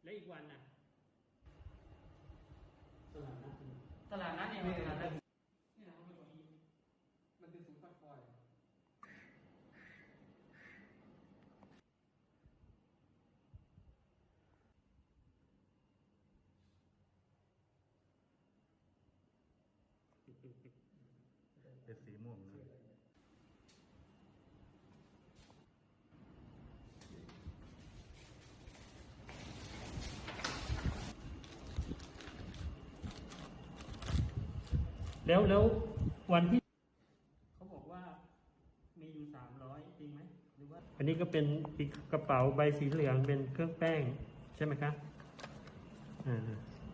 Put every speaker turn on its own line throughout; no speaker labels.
แล้วอีกวันน่ะตลาดนัดเนี่ย
ตลาดนัดเนี่ยตลาดนัดนี่นะมันเป็น
มันเป็นศูนย์พักคอย
เป็นสีม่วงนะ
แล้ววันที่เขาบอกว่ามีอยู่300จริงไหมหรือว่าอันนี้ก็เป็นอีกกระเป๋าใบสีเหลืองเป็นเครื่องแป้งใช่ไหมครับเยอะไหม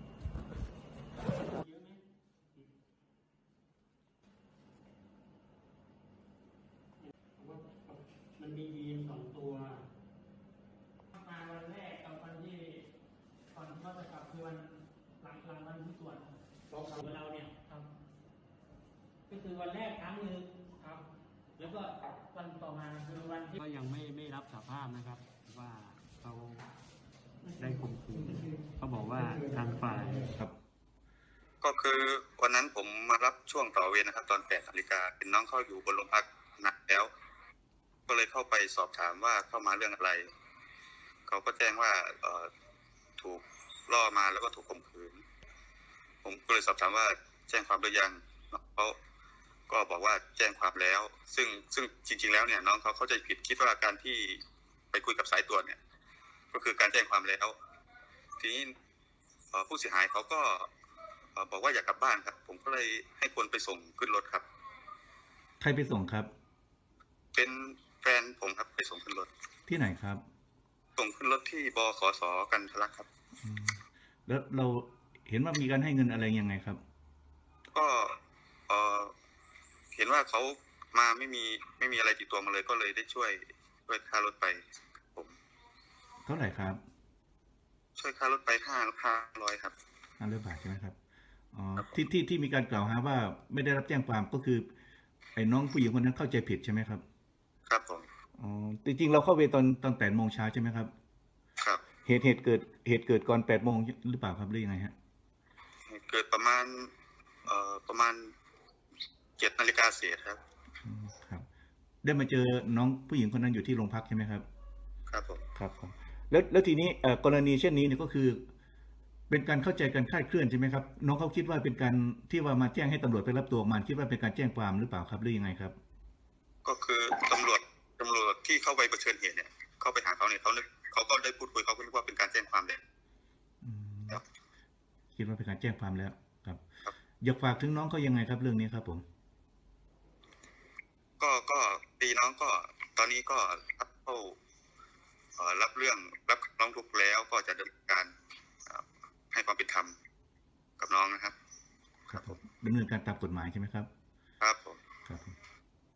มันมียีน2 ตัวมาวันแรกกับวันที่ก่อนที่เขาจะกลับคือวันหลังวันที่ตรวจของเราเนี่ยครับก็คือวันแรกครั้งหนึ่งครับแล้วก็วันต่อมาคือวันที่ก็ยังไม่รับสารภาพนะครับว่าเขาได้ข่มขืนเขาบอกว่าทางฝ่ายครับ
ก็คือวันนั้นผมมารับช่วงต่อเวรนะครับตอน8 นาฬิกาเป็นน้องเข้าอยู่บนโรงพักหนักแล้วก็เลยเข้าไปสอบถามว่าเข้ามาเรื่องอะไรเขาก็แจ้งว่าถูกล่อมาแล้วก็ถูกข่มขืนผมก็เลยสอบถามว่าแจ้งความหรือยังเขาก็บอกว่าแจ้งความแล้วซึ่งจริงๆแล้วเนี่ยน้องเขาเข้าใจผิดคิดว่าการที่ไปคุยกับสายตรวจเนี่ยก็คือการแจ้งความแล้วทีนี้ผู้เสียหายเขาก็บอกว่าอยากกลับบ้านครับผมก็เลยให้คนไปส่งขึ้นรถครับ
ใครไปส่งครับ
เป็นแฟนผมครับไปส่งขึ้นรถ
ที่ไหนครับ
ส่งขึ้นรถที่บขส.กันทะลักครับ
แล้วเราเห็นว่ามีการให้เงินอะไรยังไงครับ
ก็เห็นว่าเขามาไม่มีอะไรติดตัวมาเลยก็เลยได้ช่วยค่ารถไปผม
เท่าไหร่ครับ
ช่วยค่ารถไป500ครับ
500 บาทใช่ไหมครับอ๋อที่มีการกล่าวหาว่าไม่ได้รับแจ้งความก็คือไอ้น้องผู้หญิงคนนั้นเข้าใจผิดใช่ไหมครับ
ครับผม
อ๋อจริงๆเราเข้าเวรตอน8 โมงเช้าใช่ไหมครับ
ครับ
เหตุเกิดก่อน8 โมงหรือเปล่าครับหรือยังไงฮะ
เกิดประมาณ7 นาฬิกาเศษครับ
ครับได้มาเจอน้องผู้หญิงคนนั้นอยู่ที่โรงพักใช่ไหมครับ
ครับผม
ครับแล้วทีนี้กรณีเช่นนี้เนี่ยก็คือเป็นการเข้าใจกันคลาดเคลื่อนใช่ไหมครับน้องเขาคิดว่าเป็นการที่ว่ามาแจ้งให้ตำรวจไปรับตัวมาคิดว่าเป็นการแจ้งความหรือเปล่าครับหรือยังไงครับ
ก็คือตำรวจที่เข้าไปเผชิญเหตุเนี่ยเข้าไปหาเขาเนี่ยเขาก็ได้พูดคุยเขาก็นึกว่าเป็นการแจ้งความแล้ว
คิดว่าเป็นการแจ้งความแล้วครับอยากฝากถึงน้องเขายังไงครับเรื่องนี้ครับผม
ก็ตีน้องก็ตอนนี้ก็เข้ารับเรื่องรับร้องทุกข์แล้วก็จะดำเนินการให้ความเป็นธรรมกับน้องนะครับ
ครับผมดำเนินการตามกฎหมายใช่ไหมครับ